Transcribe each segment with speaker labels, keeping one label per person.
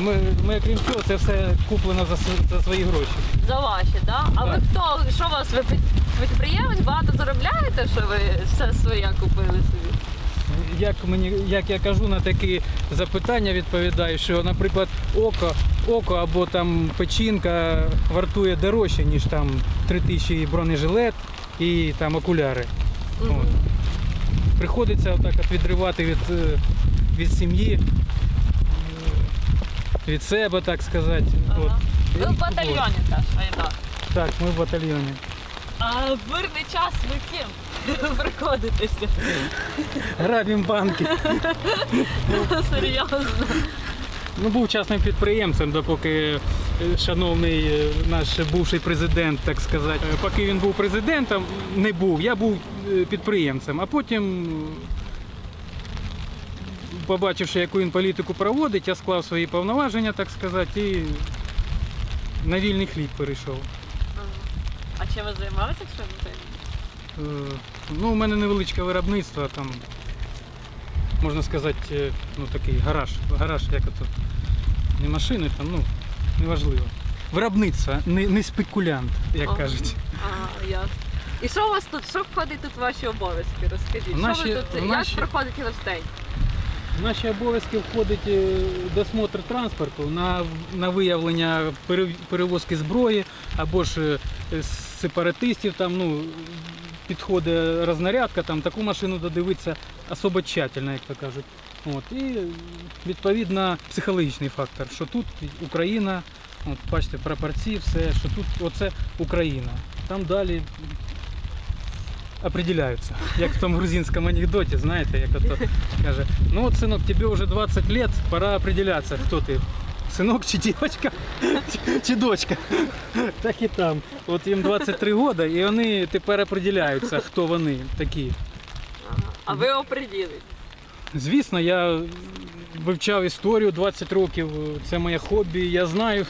Speaker 1: Ми крім цього, це все куплено за свої гроші.
Speaker 2: За ваші, так? А ви хто? Що у вас? Ви підприємець, багато заробляєте, що ви все своє купили собі?
Speaker 1: Як я кажу на такі запитання, відповідаю, що, наприклад, око або там печінка вартує дорожче, ніж там 3000 бронежилет і там окуляри. От. Приходиться отак от відривати від сім'ї, від себе, так сказати.
Speaker 2: Ага.
Speaker 1: От.
Speaker 2: Ви в батальйоні теж, Айдар?
Speaker 1: Так, ми в батальйоні.
Speaker 2: А в мирний час ви ким приходитеся?
Speaker 1: Грабимо банки.
Speaker 2: Серйозно?
Speaker 1: Ну, був частним підприємцем, допоки шановний наш бувший президент, так сказати, поки він був президентом, не був, я був підприємцем, а потім, побачивши, яку він політику проводить, я склав свої повноваження, так сказати, і на вільний хліб перейшов.
Speaker 2: А чим ви займалися, якщо не таємниця?
Speaker 1: Ну, у мене невеличке виробництво, там, можна сказати, ну, такий гараж, як ото, не машини, там, ну, неважливо. Виробництво, не спекулянт, як кажуть.
Speaker 2: Ага, ясно. І що у вас тут, що входить тут в ваші обов'язки? Розкажіть, як проходить ваш день?
Speaker 1: В наші обов'язки входить досмотр транспорту на виявлення перевозки зброї або ж сепаратистів, там, ну, підходить рознарядка, там, таку машину додивитися особо тщательно, як то кажуть. От. І відповідно психологічний фактор, що тут Україна, от, бачите, прапорці, все, що тут оце Україна. Там далі определяються. Як в тому грузинському анекдоті, знаєте, як ото каже, ну от, синок, тобі вже 20 років, пора определятися, хто ти. Синок чи дівчинка, чи дочка. Так і там. От їм 23 роки, і вони тепер определяються, хто вони такі.
Speaker 2: Ага. А ви оприділите?
Speaker 1: Звісно, я вивчав історію 20 років, це моє хобі, я знаю.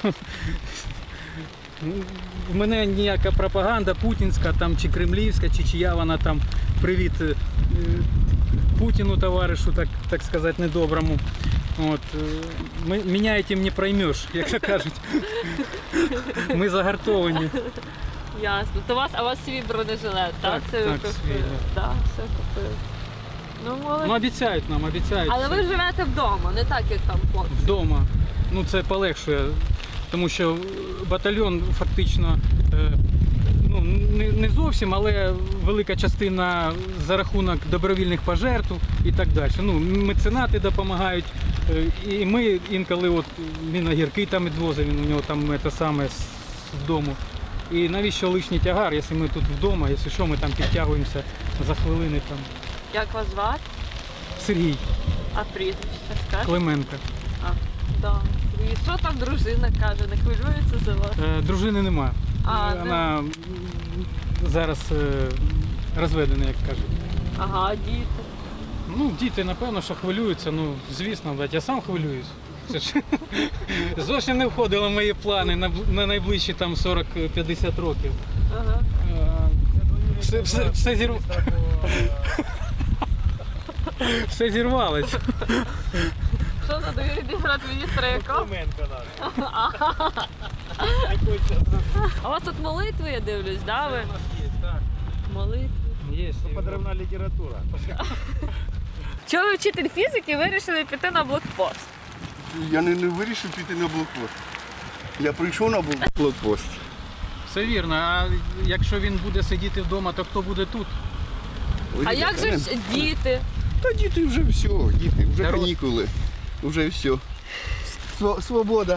Speaker 1: В мене ніяка пропаганда путінська там, чи кремлівська, чи чия вона там, привіт Путіну, товаришу, так сказати, недоброму. От. Мене цим не проймеш, як то кажуть. Ми загартовані.
Speaker 2: Ясно. То у вас свій бронежилет, так?
Speaker 1: Так, свій.
Speaker 2: Так, все купили. Ну, молодці.
Speaker 1: Ну, обіцяють нам, обіцяють.
Speaker 2: Але ви живете вдома, не так, як там хлопці.
Speaker 1: Вдома. Ну, це полегшує. Тому що батальйон фактично, ну, не зовсім, але велика частина за рахунок добровільних пожертв і так далі. Ну, меценати допомагають, і ми інколи, от, він огірки там відвозив, він у нього там те саме з дому. І навіщо лишній тягар, якщо ми тут вдома, якщо що, ми там підтягуємося за хвилини там.
Speaker 2: Як вас звати?
Speaker 1: Сергій.
Speaker 2: А прізвище скажете?
Speaker 1: Клименко.
Speaker 2: А, да. І що там дружина каже, не хвилюється за вас?
Speaker 1: Дружини нема. Вона зараз розведена, як кажуть.
Speaker 2: Ага, діти.
Speaker 1: Ну, діти, напевно, що хвилюються, ну, звісно, я сам хвилююсь. Це ж зовсім не входило в мої плани на найближчі там 40-50 років.
Speaker 2: Ага.
Speaker 1: Все зірвалось.
Speaker 2: Що за довірний брат міністра якого? А у вас тут молитви, я дивлюсь, да, ви? Молитви.
Speaker 1: Є.
Speaker 3: Подрывная литература.
Speaker 2: Чого ви вчитель фізики вирішили піти на блокпост?
Speaker 3: Я не вирішив піти на блокпост. Я прийшов на блокпост.
Speaker 1: Все вірно, а якщо він буде сидіти вдома, то хто буде тут?
Speaker 2: А як же ж діти?
Speaker 3: Та діти вже все, діти, вже
Speaker 1: Народ.
Speaker 3: канікули, вже все. Свобода.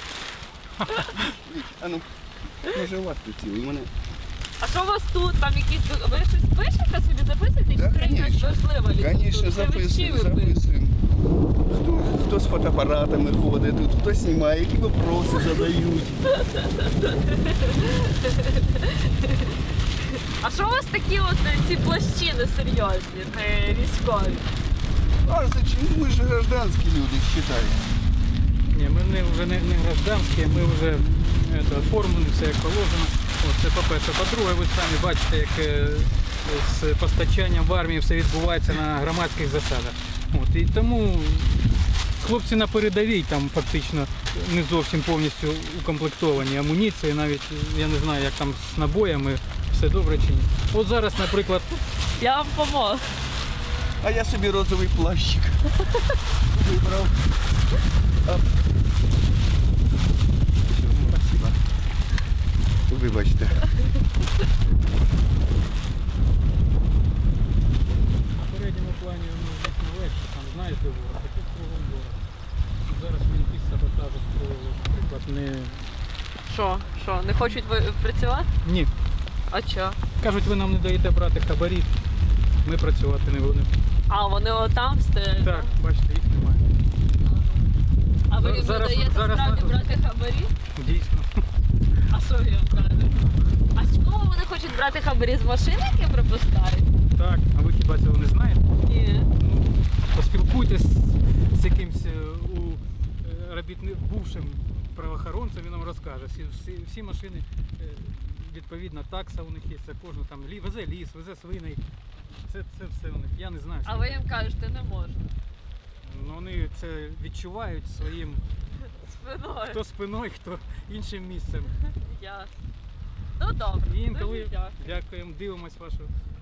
Speaker 3: А ну, може у вас тут цілий, мене.
Speaker 2: А що у вас тут? Там якісь... Ви щось пишете собі, записуєте?
Speaker 3: Да,
Speaker 2: Чи це якась
Speaker 3: конечно.
Speaker 2: важлива література?
Speaker 3: Звісно,
Speaker 2: Це ви всі
Speaker 3: записуємо,
Speaker 2: ви пишете?
Speaker 3: записуємо. Хто з фотоапаратами ходить тут, хто знімає, які вопроси задають.
Speaker 2: А що у вас такі от ці плащини серйозні, не військові?
Speaker 3: А зачем? Ми ж гражданські люди, вважають.
Speaker 1: Ні, ми вже не гражданські, ми вже оформлені, все як положено. От, це по-перше. По-друге, ви самі бачите, як з постачанням в армії все відбувається на громадських засадах. От, і тому Хлопці на передовій там фактично не зовсім повністю укомплектовані амуніції, навіть я не знаю, як там з набоями, все добре чи ні. От зараз, наприклад,
Speaker 2: Я вам поможу.
Speaker 3: А я собі розовий плащик вибрав. Оп. Все, спасибо. Вибачте.
Speaker 1: на передньому плані воно звісно легше, там знаєте ворог, а тут кругом ворог. Зараз мінки з саботажу строїли, наприклад, не...
Speaker 2: Що, не хочуть працювати?
Speaker 1: Ні.
Speaker 2: А чо?
Speaker 1: Кажуть, ви нам не даєте брати хабарі, ми працювати не будемо.
Speaker 2: А, вони отам стоять?
Speaker 1: Так, бачите, їх немає.
Speaker 2: А ви їм не
Speaker 1: Зараз-
Speaker 2: даєте
Speaker 1: зараз
Speaker 2: справді
Speaker 1: на-
Speaker 2: брати хабарі?
Speaker 1: Дійсно.
Speaker 2: А що ви їм кажете? А з чого вони хочуть брати хабарі з машини, які пропускають?
Speaker 1: Так, а ви хіба цього не знаєте?
Speaker 2: Ні.
Speaker 1: Ну, поспілкуйтесь з якимсь бувшим правоохоронцем, він нам розкаже. Всі машини, відповідно, такса у них є, це кожна там везе ліс, везе свиней. Це все у них. Я не знаю.
Speaker 2: А ви їм кажете, не можна.
Speaker 1: Ну, вони це відчувають своїм
Speaker 2: Спиною.
Speaker 1: хто спиною, хто іншим місцем.
Speaker 2: Ясно. Ну добре.
Speaker 1: І інколи
Speaker 2: Дуже дякую.
Speaker 1: дякуємо, дивимось вашу